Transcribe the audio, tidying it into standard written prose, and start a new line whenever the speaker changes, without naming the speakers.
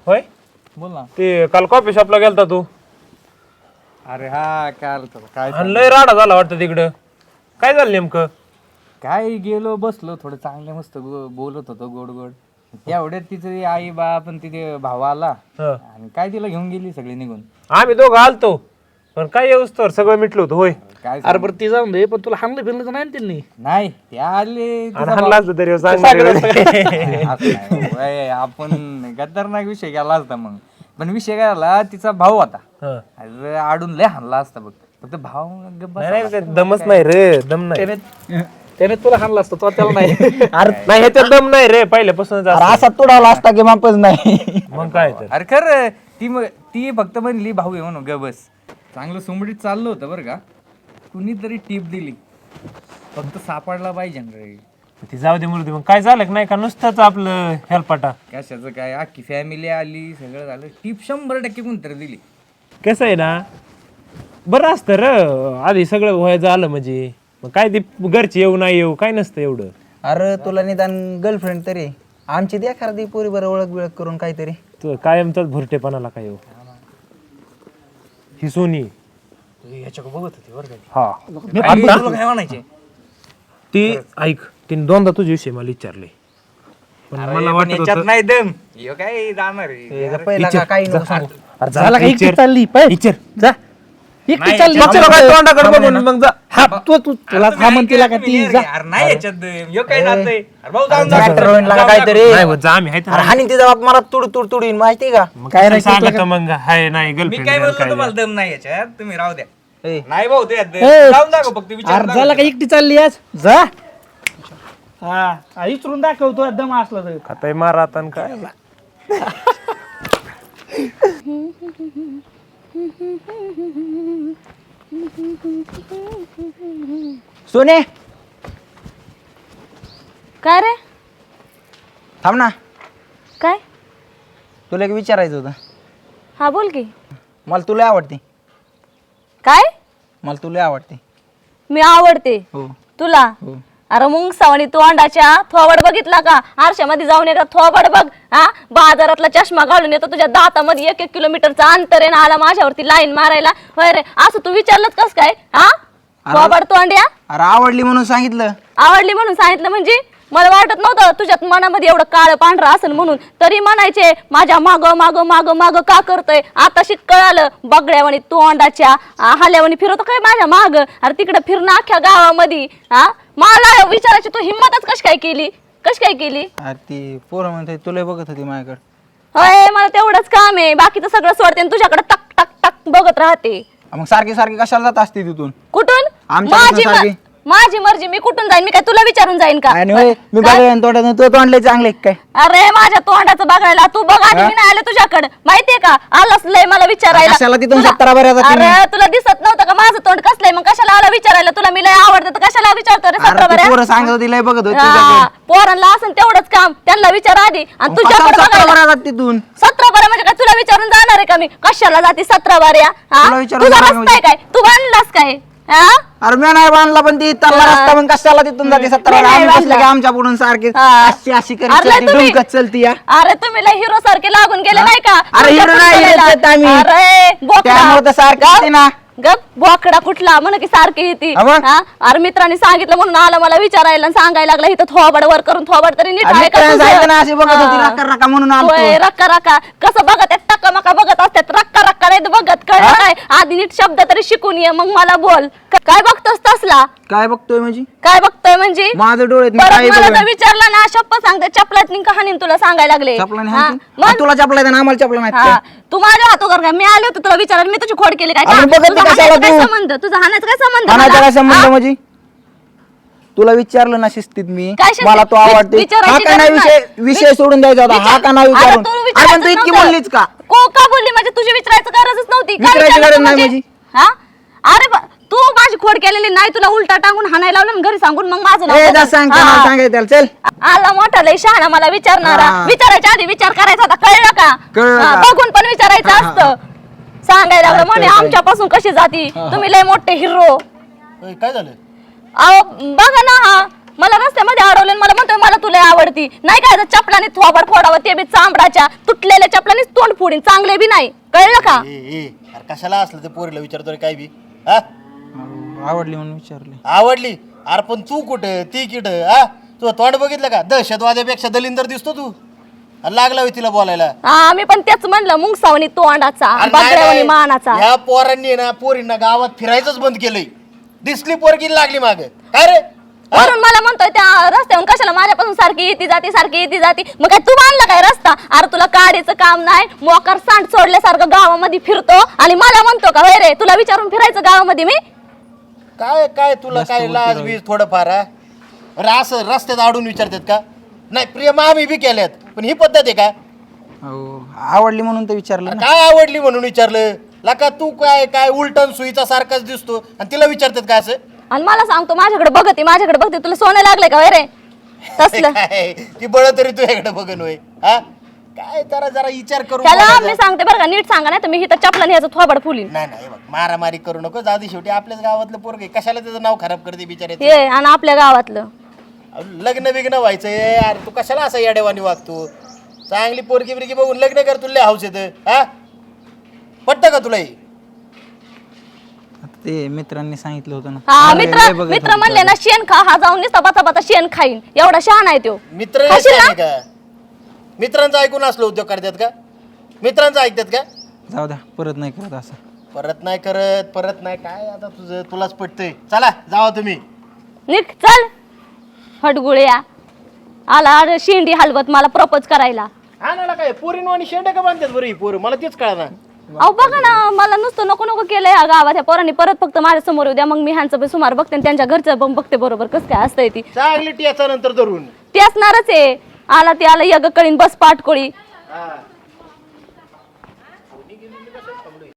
होय
बोल ना.
ते काल कॉफी शॉपला गेलता तू
अरे हा काय
आणि लय राडा झाला वाटतं तिकडं. काय झालं नेमकं?
काय गेलो बसलो थोडं चांगलं मस्त बोलत होतो गोड गोड. एवढ्यात तिथे आई बाप आणि तिथे भाऊ आला
हं.
आणि काय तिला घेऊन गेली सगळी निघून.
आम्ही दोघं आलतो पण काय येऊस तर सगळं मिटलं होतं. होय
काय
अरे बरं ती जाऊन दे, पण तुला हाणलं फिरलं तर नाही ना त्यांनी?
नाही ते आले
आणि हाणला असतं तरी सांगणार
असं नाही भाऊ. आपण खतरनाक विषय गेला असता मग. पण विषय काय झाला तिचा भाऊ होता.
हं.
अरे आडून लय हाणला असता बघ. फक्त भाऊ गप्प
नाही नाही, ते दमच नाही रे, दम नाही.
त्याने तुला हाणलं असतं, तो त्याला नाही.
नाही ह्याच्यात दम नाही रे पहिल्यापासूनच असं.
असा तुडावला असता की मापच नाही.
मग काय तर
अरे खरं ती फक्त म्हणली भाऊ आहे म्हणून ग बस. चांगलं सुमडीत चाललं होतं बरं का. कुणीतरी टीप दिली फक्त सापडला पाहिजे ना रे.
ती जाऊ दे मुलगी. मग काय झालं की नाही का नुसतंच आपलं हेलपाटा.
कशाचं काय अख्खी फॅमिली आली सगळं झालं. टीप 100% कोणतरी दिली.
कसं आहे ना, बरं असतं र आधी सगळं व्हायचं आलं म्हणजे. मग काय ते घरची येऊ नाही येऊ काय नसतं एवढं.
अरे तुला निदान गर्लफ्रेंड तरी आमची द्या खरं पोरी बरं ओळख बिळख करून काहीतरी.
तू कायमचाच भुरटेपणाला काय येऊ. ही सोनी
याच्याकडे बघत होती बरं का.
हा
तुला काय म्हणायचे.
ती ऐक तिने दोनदा तुझ्या विषयी मला विचारले पण मला वाटत
याच्यात
होतं
नाही दम. ह्यो काय जाणार आहे.
पहिला का काही नको सांगू.
अरे
झाला का एकटी
विचार.
चालली पाय
विचार.
जा एकटी
नाही,
चालली.
विचार काय तोंडाकडे बघून मग जा.
हा तुला थांबन तिला का ती जा.
अरे नाही याच्यात दम. ह्यो काय जातंय. अरे भाऊ जाऊन
Tractor होईन लागा काहीतरी.
नाही होत, जा आम्ही आहे
अरे
तर.
हानी तिचा बाप मला तुड तुडीन माहिती का.
मग काय सांगत मग हाय नाही
मी काय
गर्लफ्रेंड
बोललो
काय
तुम्हाला दम नाही याच्यात. तुम्ही राहू द्या.
ए,
नाही भाऊ ते
ए,
जाऊन दाखव फक्त विचार
अरे झाला का एकटी चालली आज जा. हा इचरून दाखवतो दम असला तर.
खाताय मारा आता आणि काय.
सोने
काय रे?
थांब ना,
काय?
तुला एक विचारायचं होतं.
हा बोल की.
मला तुला आवडते.
काय?
मला तुला आवडते.
मी आवडते
हो
तुला?
हो.
अरे मुंग सावणी तोंडाच्या थोबड बघितला का? आरशामध्ये जाऊन एकदा थोबड बघ. हा बाजारातला चष्मा घालून येतो तुझ्या दातामध्ये 1-1 किलोमीटरचा अंतर आहे ना. आला माझ्यावरती लाईन मारायला. होय रे असं तू विचारलंच कस काय? हा थोबड तोंड्या.
अरे आवडली म्हणून सांगितलं.
आवडली म्हणून सांगितलं म्हणजे? मला वाटत नव्हतं तुझ्यात मनामध्ये एवढं काळं पांढरं असेल म्हणून. तरी म्हणायचे माझ्या माग माग माग माग का करतोय. आता शिक कळालं. बगड्यावानी तोंडाच्या हल्यावानी फिरवतो काय माझ्या माग. अरे तिकडे फिरणं अख्ख्या गावामध्ये. हा मला विचारायची तू हिंमतच कशी काय केली? कशी काय केली?
अरे ती पोरं म्हणते तुला बघत होती माझ्याकडे.
होय मला तेवढंच काम आहे. बाकीचं सगळं सोडते आणि तुझ्याकडे टक टक टक बघत राहते.
मग सारखी सारखी कशाला जात असते तिथून.
कुठून?
आमच्याकडनं सारखी.
माझी मर्जी. मी कुठून जाईन? मी काय तुला विचारून जाईन का?
आणि होय मी
काय?
बघायला तोंडात तो तोंडले चांगले काय.
अरे माझ्या तोंडाचं बघायला तू बघ आधी. मी नाही आले तुझ्याकडे माहितीये का? आलाच लय मला विचारायला.
कशाला तिथून
तुला-
17 बऱ्या जाती मी.
अरे तुला दिसत नव्हतं का माझं तोंड कसलंय? मग कशाला आला विचारायला? तुला मी लय आवडतं तर कशाला विचारतो रे 17
अरे ती
बऱ्या?
पोरं सांगत होती लय बघत होती
हा,
तुझ्याकडे.
पोरांना असं तेवढंच काम. त्यांना विचार आधी. आणि तुझ्याकडे
17
बघायला
बऱ्या जात तिथून.
17 बऱ्या म्हणजे काय? तुला विचारून जाणार आहे का मी? कशाला जाते 17 बऱ्या? हा?
तुला विचारून
तुझा
जाणार
रस्ता आहे काय? तू बांधलास काय? हा?
अरे मी नाही बांधला पण ती तल्ला रस्ता मग कशाला तिथून जाते 17
मी नाही
आम्ही बसले
बांधला.
की आमच्या पुढून सारखी
हा.
अशी अशी
अरे
करीत
तुम्ही-
डुंकत चलती या.
अरे तुम्ही लय हिरो सारखे लागून गेले नाही का?
अरे हिरो
तुमच्या
नाही,
पुढे
हिरोच आहेत आम्ही.
अरे बोकडा.
त्यामुळे तर सारखी येते ना.
गप बोकडा कुठला म्हण की सारखी येते.
हा मग?
हा? अरे मित्रांनी सांगितलं म्हणून आला मला विचारायला आणि सांगायला लागला इथं थोबड वर करून थोबड तरी नीट
अरे
आहे का
मित्रांनी
तुझं?
सांगितलं ना अशी बघत होती
हा.
रक्का रक्का म्हणून आलतो.
होय, रक्का रक्का कसं बघत आहेत? टक्का मका बघत असतात. रक्का रक्का नाही बघत. कळलं काय? आधी नीट शब्द तरी शिकून ये मग मला बोल. काय बघतोस तसला?
काय बघतोय म्हणजे
काय बघतोय म्हणजे?
माझं डोळ्यात मी
परत
काही
मला
बघेन.
जर विचारलं ना शपथ सांगते चपलात कहाणी तुला सांगायला लागले.
चपलाने
हा?
हाणतील?
मग?
आणि तुला चपला ना आम्हाला चपला नाही
हा. तू माझ्या हातोगर काय? मी आले होते तुला विचारायला. मी तुझी खोड केली काय?
अरे बघत
तुझा
नाही कशाला
हाणायचा काय
तू?
संबंध? तुझा हाणायचा काय संबंध
हाणायचा
मला?
काय संबंध
हा?
म्हणजे तुला विचारलं ना शिस्तीत मी
काय शिस्तीत?
मला तो आवडते
विचारायची
हा का नाही
गरज
विषय
नाही.
विषय सोडून द्यायचा होता हा का नाही
अरे
विचारून
तू
अरे पण
विचारायचं
तू इतकी
नव्हतं.
बोललीच का
का बोलली म्हणजे? तुझी विचारायचं गरजच नव्हती. काय
विचारायची
विचारलं
गरज
तू
नाही
म्हणजे?
म्हणजे?
हा? अरे तू माझी खोड केलेली नाही. तुला उलटा टांगून हाणायला लावलं आणि घरी सांगून मग माझं नाव
ए जा
बदल.
सांग
हा.
मला सांगायचं त्याला, चल
आला मोठा लय शहाणा मला विचारणारा.
हा.
विचारायच्या आधी विचार करायचा होता. कळलं का?
कळलं
हा,
का?
बघून पण विचारायचं
हा,
असतं. सांगायला लागलं म्हणे
कळलं.
आमच्यापासून कशी जाती तुम्ही लय मोठे हिरो.
काय झालं?
अहो बघा ना हा मला रस्त्यामध्ये अडवले मला म्हणतोय मला तुला आवडती नाही काय चपलाने थोबड फोडावं ते बी चांबडाच्या तुटलेल्या चपलाने तोंड फोडीन चांगले बी नाही कळलं का
अरे कशाला असलं ते पोरीला विचारतोय काय बी हा
आवडली म्हणून विचारले.
आवडली अरे पण तू कुठं ती कुठं हा तू तोंड बघितलं का दहशतवाद्यापेक्षा दलिंदर दिसतो तू आणि लागला होय तिला बोलायला.
आम्ही पण तेच म्हणलं मुंगसावणी तोंडाचा
अरे
बगड्यावणी
नाही,
मानाचा
ह्या पोरांनी ना पोरींना गावात फिरायचंच बंद केलंय. दिसली पोरगी लागली माग काय रे
वरून मला म्हणतोय त्या रस्त्यावरून कशाला माझ्यापासून सारखी येते जाती मग काय तू बांधला काय रस्ता अरे तुला काढीचं काम नाही मोकार सांड सोडल्यासारखं गावामध्ये फिरतो आणि मला म्हणतो का वय रे तुला विचारून फिरायचं गावामध्ये मी
काय काय तुला काय लाज बीज थोडंफार हा? अरे असं रस्त्यात अडून विचारतात का नाही प्रेम आम्ही बी केल्यात पण ही पद्धत आहे का
अहो, आवडली म्हणून तर विचारलं ना.
काय आवडली म्हणून विचारलं लका तू काय काय उलटन सुईचा सारखाच दिसतो आणि तिला विचारतात का असं
आणि मला सांगतो माझ्याकडे बघते तुला सोनं लागले का वय रे तसलं
काय ती बळ तरी तुझ्याकडे बघन होय हा काय जरा जरा विचार करू
त्याला मी सांगते बरं का नीट सांगा नाही तर मी इथं चपला न्यायचं थोबड फुलीन
नाही नाही बघ मारामारी करू नको जाऊ शेवटी आपल्याच गावातलं पोरग आहे कशाला त्याचं नाव खराब करते बिचारे
हे आणि आपल्या गावातलं
लग्न बिग्न व्हायचंय यार तू कशाला असा येडेवानी वागतो चांगली पोरगी बिरगी बघून लग्न कर तुला हाऊस येतं हा पटतं का तुला हे?
आता ते मित्रांनी सांगितलं होतं ना.
हा
लय
मित्र
बघत
मित्र
होते
म्हणले ना शेण खा हा जाऊन नुसता बाचा शेण खाईन एवढा शहाणा आहे तो
मित्र
खाशील ना?
नाही का मित्रांचं ऐकून असलं उद्योग करतात का मित्रांचं ऐकतात का
जाऊ द्या परत नाही करत असं.
परत नाही काय आता तुझं तुलाच पटतंय चला जावा तुम्ही
निघ चल हटगुळ्या आला अरे शेंडी हलवत मला प्रपोज करायला
हा ना काय पोरीनो आणि शेंडे का बांधतात बरं ही पोरं मला तेच कळणार
अहो बघा ना मला नुसतं नको नको केलंय या गावात ह्या पोरांनी परत फक्त माझ्या समोर उद्या मग मी ह्यांचं पण सुमार बघते आणि त्यांच्या घरचं पण बघते बरोबर कसं काय असतंय ती
चांगली टियाचा नंतर धरून
ती असणारच आहे आला ती आला यग कळीन बस पाटकोळी